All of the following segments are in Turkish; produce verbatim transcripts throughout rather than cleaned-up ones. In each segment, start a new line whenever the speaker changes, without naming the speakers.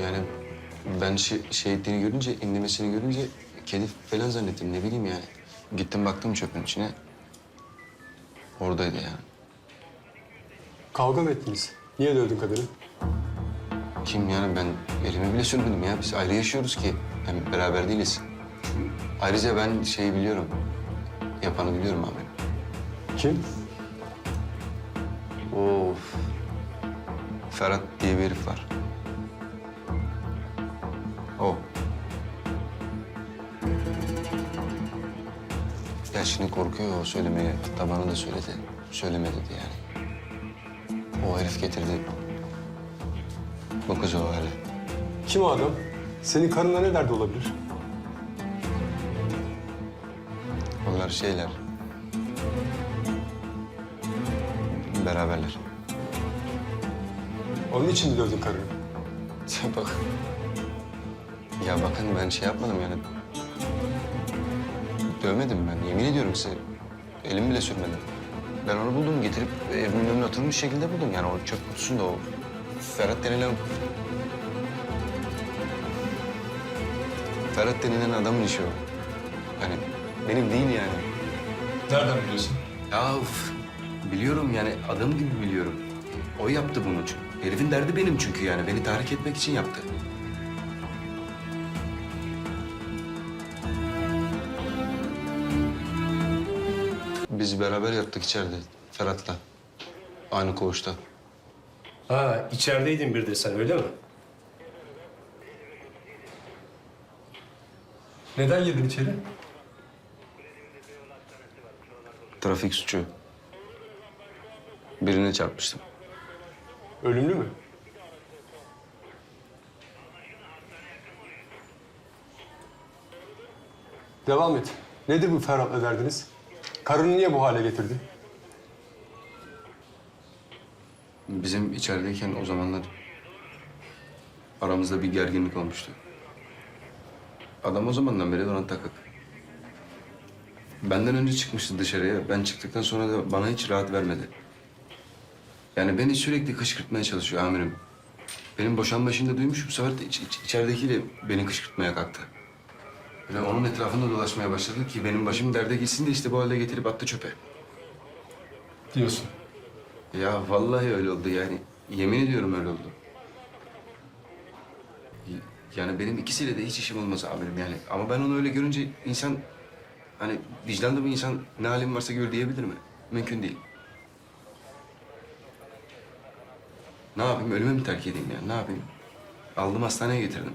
Yani ben şey, şey ettiğini görünce, inlemesini görünce kedi falan zannettim. Ne bileyim yani. Gittim baktım çöpün içine. Oradaydı yani.
Kavga mı ettiniz? Niye dövdün kadını?
Kim yani ben elimi bile sürmedim ya. Biz ayrı yaşıyoruz ki. Hem beraber değiliz. Ayrıca ben şeyi biliyorum. Yapanı biliyorum abi.
Kim?
Of. Ferhat diye bir herif var. O. Ya şimdi korkuyor o söylemeye. Hatta bana da söyledi. Söyleme dedi yani. O herif getirdi. Bu kız o hale.
Kim o adam? Senin karınla ne derdi olabilir?
Onlar şeyler. Beraberler.
Onun için mi dövdün karını?
Sen bak. Ya bakın ben şey yapmadım yani. Dövmedim ben. Yemin ediyorum size. Elimi bile sürmedim. Ben onu buldum. Getirip evimin önüne oturmuş şekilde buldum. Yani o çöp kutusunda o Ferhat denilen... Ferhat denilen adamın işi o. Hani benim değil yani.
Nereden biliyorsun?
Ya uf, biliyorum yani adam gibi biliyorum. O yaptı bunu çünkü. Herifin derdi benim çünkü yani. Beni tahrik etmek için yaptı. Biz beraber yattık içeride Ferhat'la. Aynı koğuşta.
Ha, içerideydin bir de sen, öyle mi?
Neden girdin içeri?
Trafik suçu. Birine çarpmıştım.
Ölümlü mü? Devam et. Nedir bu Ferhat'la derdiniz? Karını niye bu hale getirdi?
Bizim içerideyken o zamanlar aramızda bir gerginlik olmuştu. Adam o zamandan beri ona takık. Benden önce çıkmıştı dışarıya. Ben çıktıktan sonra da bana hiç rahat vermedi. Yani beni sürekli kışkırtmaya çalışıyor amirim. Benim boşanma işini de duymuş, bu sefer de iç, iç, içeridekiyle beni kışkırtmaya kalktı. Ve onun etrafında dolaşmaya başladı ki benim başım derde gitsin de işte bu halde getirip attı çöpe.
Diyorsun.
Ya vallahi öyle oldu yani. Yemin ediyorum öyle oldu. Y- Yani benim ikisiyle de hiç işim olmaz amirim yani. Ama ben onu öyle görünce insan... Hani vicdanlı bir insan ne halim varsa gör diyebilir mi? Mümkün değil. Ne yapayım? Ölüme mi terk edeyim yani? Ne yapayım? Aldım hastaneye getirdim.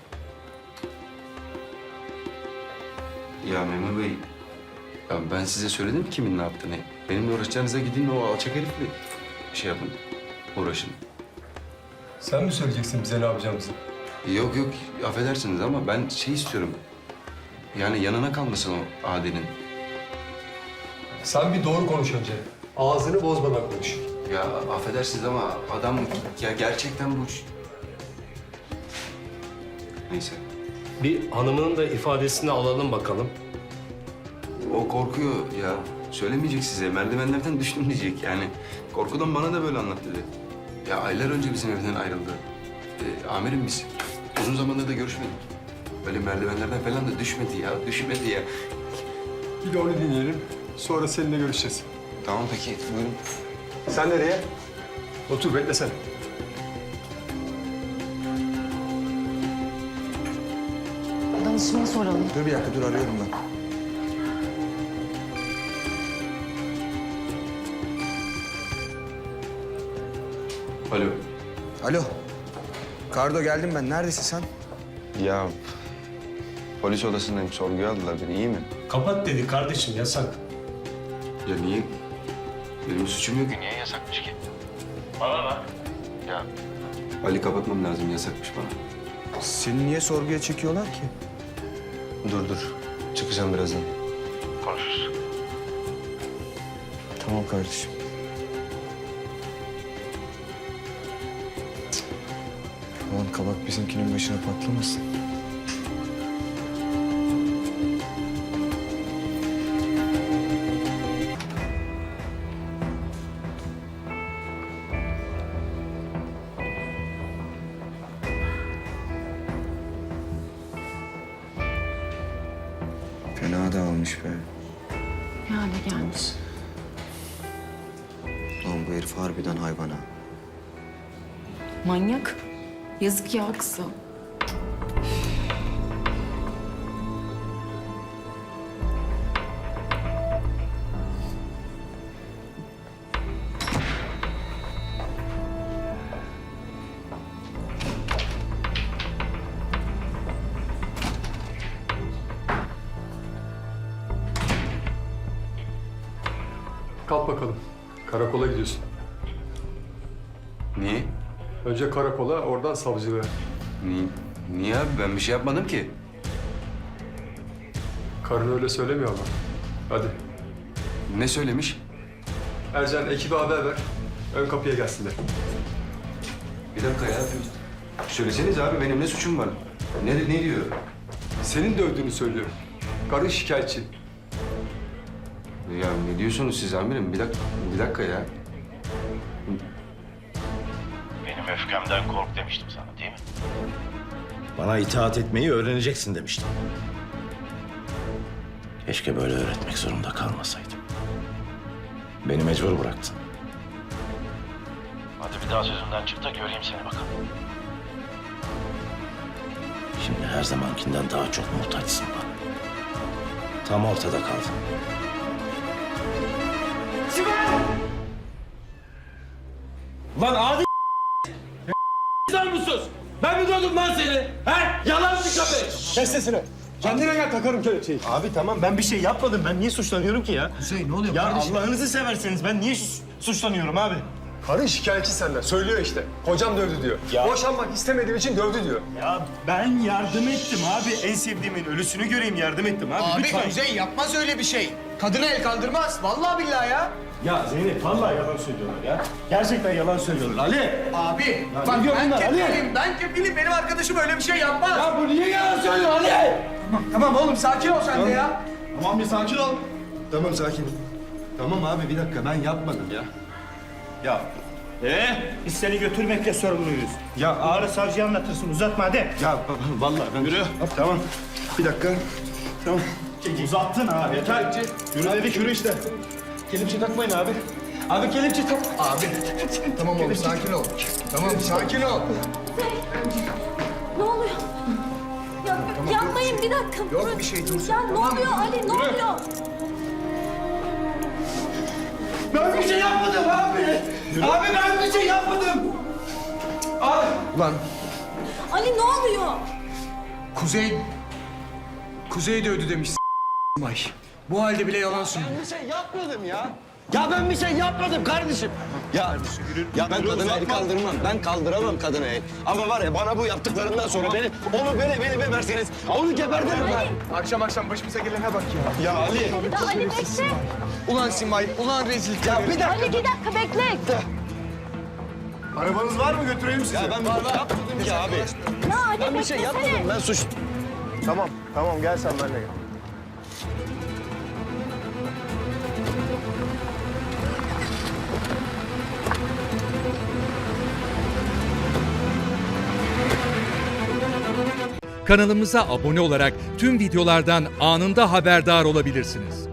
Ya Memur Bey, ya ben size söyledim mi kimin ne yaptığını? Benimle uğraşacağınıza gidin o alçak herifle şey yapın, uğraşın.
Sen mi söyleyeceksin bize ne yapacağımızı?
Yok yok, affedersiniz ama ben şey istiyorum. Yani yanına kalmasın o Adi'nin.
Sen bir doğru konuş önce. Ağzını bozmadan konuş.
Ya affedersiniz ama adam ya gerçekten bu... Neyse.
Bir hanımının da ifadesini alalım bakalım.
O korkuyor ya. Söylemeyecek size. Merdivenlerden düştüm diyecek yani. Korkudan bana da böyle anlat dedi. Ya aylar önce bizim evden ayrıldı. Ee, amirim biz. Uzun zamandır da görüşmedik. Böyle merdivenlerden falan da düşmedi ya. Düşmedi ya.
Bir de onu dinleyelim. Sonra seninle görüşeceğiz.
Tamam peki. Buyurun.
Sen nereye? Otur beklesene.
Danışmaya soralım.
Dur bir dakika, dur arıyorum ben.
Alo.
Alo. Kardo, geldim ben. Neredesin sen?
Ya polis odasındayım. Sorguya aldılar beni. İyi mi?
Kapat dedi kardeşim, yasak.
Ya niye? Benim suçum yok. Niye yasakmış ki?
Bana bak.
Ya Ali kapatmam lazım. Yasakmış bana.
Seni niye sorguya çekiyorlar ki?
Dur dur. Çıkacağım birazdan.
Tamam kardeşim. Cık. Aman kabak bizimkinin başına patlamasın. Fena dağılmış be.
Ne hale gelmiş.
Lan bu herif harbiden hayvan ha.
Manyak. Yazık ya kıza.
Kalk bakalım. Karakola gidiyorsun.
Niye?
Önce karakola, oradan savcılığa.
Niye? Niye abi? Ben bir şey yapmadım ki.
Karın öyle söylemiyor ama. Hadi.
Ne söylemiş?
Ercan ekibe haber ver. Ön kapıya gelsinler.
Bir dakika ya. Söyleseniz abi benim ne suçum var? Ne, ne diyor?
Senin dövdüğünü söylüyor. Karın şikayetçi.
Ya ne diyorsunuz siz amirim? Bir dakika, bir dakika ya.
Benim öfkemden kork demiştim sana değil mi?
Bana itaat etmeyi öğreneceksin demiştim.
Keşke böyle öğretmek zorunda kalmasaydım. Beni mecbur bıraktın. Hadi bir daha sözümden çık da göreyim seni bakalım. Şimdi her zamankinden daha çok muhtaçsın bana. Tam ortada kaldın.
Lan adi sen musunuz? Ben mi dövdüm lan seni? He? Yalancı köpek!
Kes sesini. Kendine gel, takarım kelepçeyi.
Abi tamam ben bir şey yapmadım. Ben niye suçlanıyorum ki ya?
Hüseyin ne oluyor
Ya
kardeşim?
Allah'ınızı severseniz ben niye su- suçlanıyorum abi?
Karın şikayetçi senden. Söylüyor işte. Kocam dövdü diyor.
Ya-
Boşanmak istemediğim için dövdü diyor.
Ya ben yardım ettim abi. En sevdiğimin ölüsünü göreyim yardım ettim abi.
Abi
Lütfen.
Kuzey yapmaz öyle bir şey. Kadına el kaldırmaz. Vallahi billahi ya.
Ya Zeynep vallahi yalan söylüyorlar ya. Gerçekten yalan söylüyorlar. Ali!
Abi
Ya
bak
ne diyor
ben
bunlar, Ali?
kefilim, ben kefilim. Benim arkadaşım öyle bir şey yapmaz.
Ya bu niye yalan söylüyor Ali?
Tamam, tamam oğlum sakin ol sen de ya.
Tamam bir sakin ol. Tamam sakin. Tamam abi bir dakika ben yapmadım ya. Ya. Ee, biz seni götürmekle sorumluyuz. Ya ağır savcıya anlatırsın uzatma hadi. Ya vallahi ben... Yürü. Tamam. Bir dakika. Tamam. Uzattın abi yeter. Yürü dedik yürü işte. Kelepçe takmayın abi. Abi kelepçe tak.
Abi tamam oğlum sakin ol. Tamam sakin ol.
Ne oluyor? Ya, yapmayın bir dakika.
Yok bir şey, dur sen.
Ya ne oluyor Ali ne oluyor?
Ben bir şey yapmadım abi. Abi ben bir şey yapmadım. Abi.
Ulan
Ali ne oluyor?
Kuzey... Kuzey dövdü demiş Ay. Bu halde bile yalan söylüyor.
Bir şey yapmadım ya. Ya ben bir şey yapmadım kardeşim. Ya, ya ben kadına el kaldırmam. Ben kaldıramam kadına el. Ama var ya bana bu yaptıklarından sonra beni, onu beni beni beberseniz onu gebertirim ben.
Akşam akşam başımıza gelene bak ya.
Ya Ali.
Bir daha Ali bekle.
Ulan Simay, ulan rezillik.
Ya bir dakika.
Ali bir dakika bekle.
Arabanız var mı götüreyim sizi?
Ya ben bir şey yapmadım ki abi.
Ya Ali
Ben bir şey
beklesene.
yapmadım. Ben suç...
Tamam tamam gel sen benimle gel.
Kanalımıza abone olarak tüm videolardan anında haberdar olabilirsiniz.